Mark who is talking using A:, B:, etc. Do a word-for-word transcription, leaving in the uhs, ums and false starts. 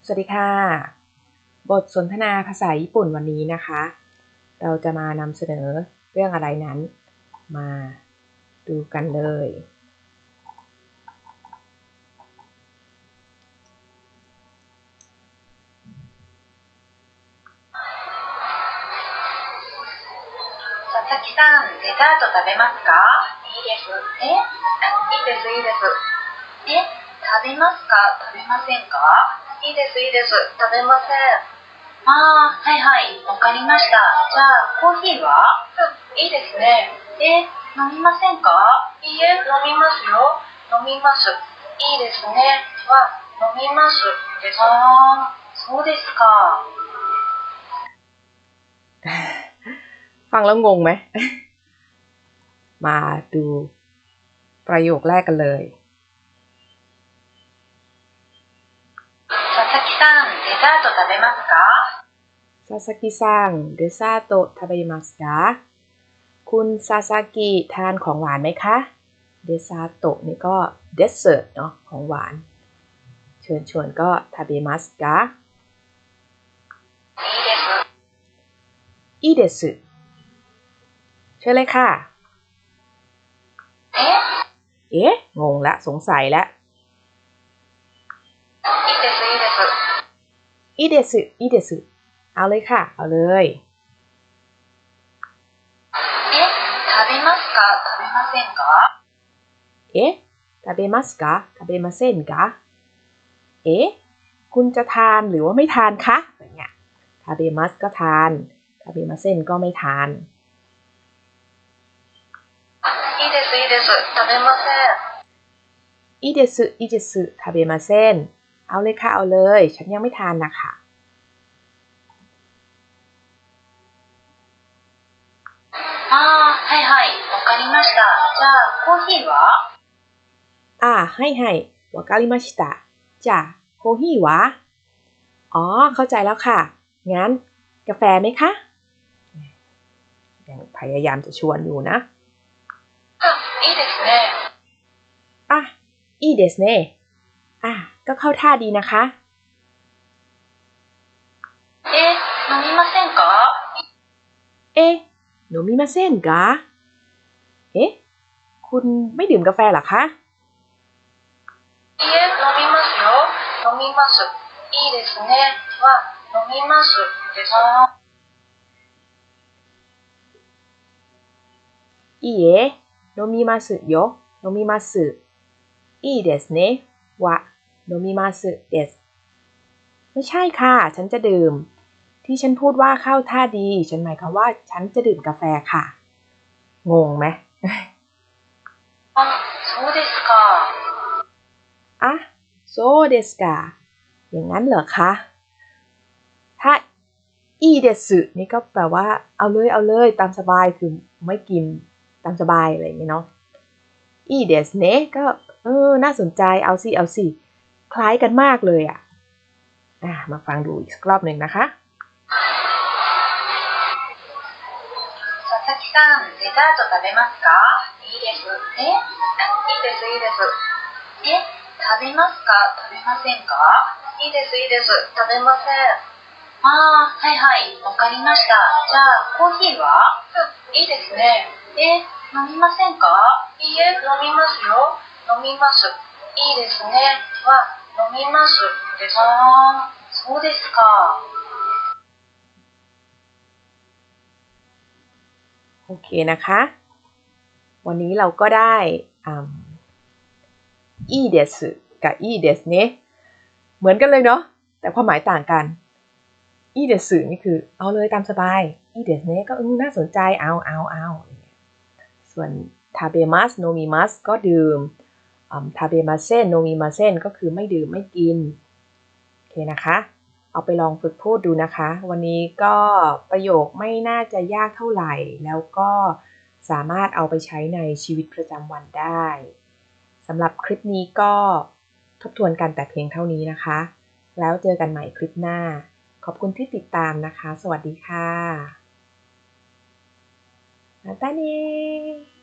A: สวัสดีค่ะบทสนทนาภาษาญี่ปุ่นวันนี้นะคะเราจะมานำเสนอเรื่องอะไรนั้นมาดูกันเลย
B: 佐々木さん、デザート食べますか？いいです。え、いいです、いいです。え、食べますか？食べませんか？いいです、いいです。食べません。ああ、はいはい、わかりました。じゃあ、コーヒーは？うん、いいですね。え、飲みませんか？いいえ、飲みますよ。飲みます。いいですね。は、飲みますです。ああ、そうですか。
A: ฟังแล้วงงไหม มาดูประโยคแรกกันเลย
B: 佐々木さん、デザート食べますか？
A: ซาซากิซังเดซาโตะทาเบมัสกะคุณซาซากิทานของหวานไหมคะเดซาโตะนี่ก็เดสเซอร์ตเนาะของหวานเชิญชวนก็ทาเบมัสกะいいですเชิญเลยค่ะ
B: เอ๊ะ
A: เอ๊ะงงละสงสัยละ
B: いいですいいです
A: いいですいいですเอาเลยค่ะเอาเลย
B: เอ๊ะ食べますか食べませんか
A: เอ๊ะ食べますか食べませんかเอ๊ะคุณจะทานหรือว่าไม่ทานคะอย่างเงี้ย食べますก็ทาน食べませんก็ไม่ทาน
B: いいですいいです食べません
A: いいですいいです食べませんเอาเลยค่ะเอาเลยฉันยังไม่ทานนะคะ
B: ああはいはいわかりましたじゃあコーヒーは
A: อ่าให้ให้わかりましたじゃあโคฮิวะอ๋อเข้าใจแล้วค่ะงั้นกาแฟไหมคะยังพยายามจะชวนอยู่นะ
B: あいいですね
A: อ่ะいいですねอ่ะก็เข้าท่าดีนะคะ
B: え飲みませんか
A: เอ๊ะ飲みませんかเอ๊ะคุณไม่ดื่มกาแฟเหรอคะ
B: いいえ飲みますよ飲みますいいですねは飲みますです
A: いいえ飲みますよ飲みますいいですねは飲みますですไม่ใช่ค่ะฉันจะดื่มที่ฉันพูดว่าเข้าท่าดีฉันหมายความว่าฉันจะดื่มกาแฟค่ะงงไหม
B: あそうですか
A: อ่ะโซเดสกาอย่างนั้นเหรอคะถ้าอีเดสึนี่ก็แปลว่าเอาเลยเอาเลยตามสบายคือไม่กินตามสบายอะไรอย่างเงี้ยเนาะอีเดสเนะก็เออน่าสนใจเอาสิเอาสิคล้ายกันมากเลยอ่ะอ่ะมาฟังดูอีกสักรอบหนึ่งนะคะ
B: 佐々木さんデザート食べますかいいですえいいですいいですえ食べますか食べませんかいいですいいです食べませんああはいはいわかりましたじゃあコーヒーはうんいいですねえ飲みませんかいいえ飲みますよ飲みますいいですねは飲みますですああそうですか
A: โอเคนะคะวันนี้เราก็ได้อีเดสกับอีเดสเนะเหมือนกันเลยเนาะแต่ความหมายต่างกันอีเดสนี่คือเอาเลยตามสบายอีเดสเนะก็น่าสนใจเอาเอาเอาส่วนทาเบมัสโนมิมัสก็ดื่มทาเบมาเซนโนมิมาเซนก็คือไม่ดื่มไม่กินโอเคนะคะเอาไปลองฝึกพูดดูนะคะวันนี้ก็ประโยคไม่น่าจะยากเท่าไหร่แล้วก็สามารถเอาไปใช้ในชีวิตประจำวันได้สำหรับคลิปนี้ก็ทบทวนกันแต่เพียงเท่านี้นะคะแล้วเจอกันใหม่คลิปหน้าขอบคุณที่ติดตามนะคะสวัสดีค่ะまたね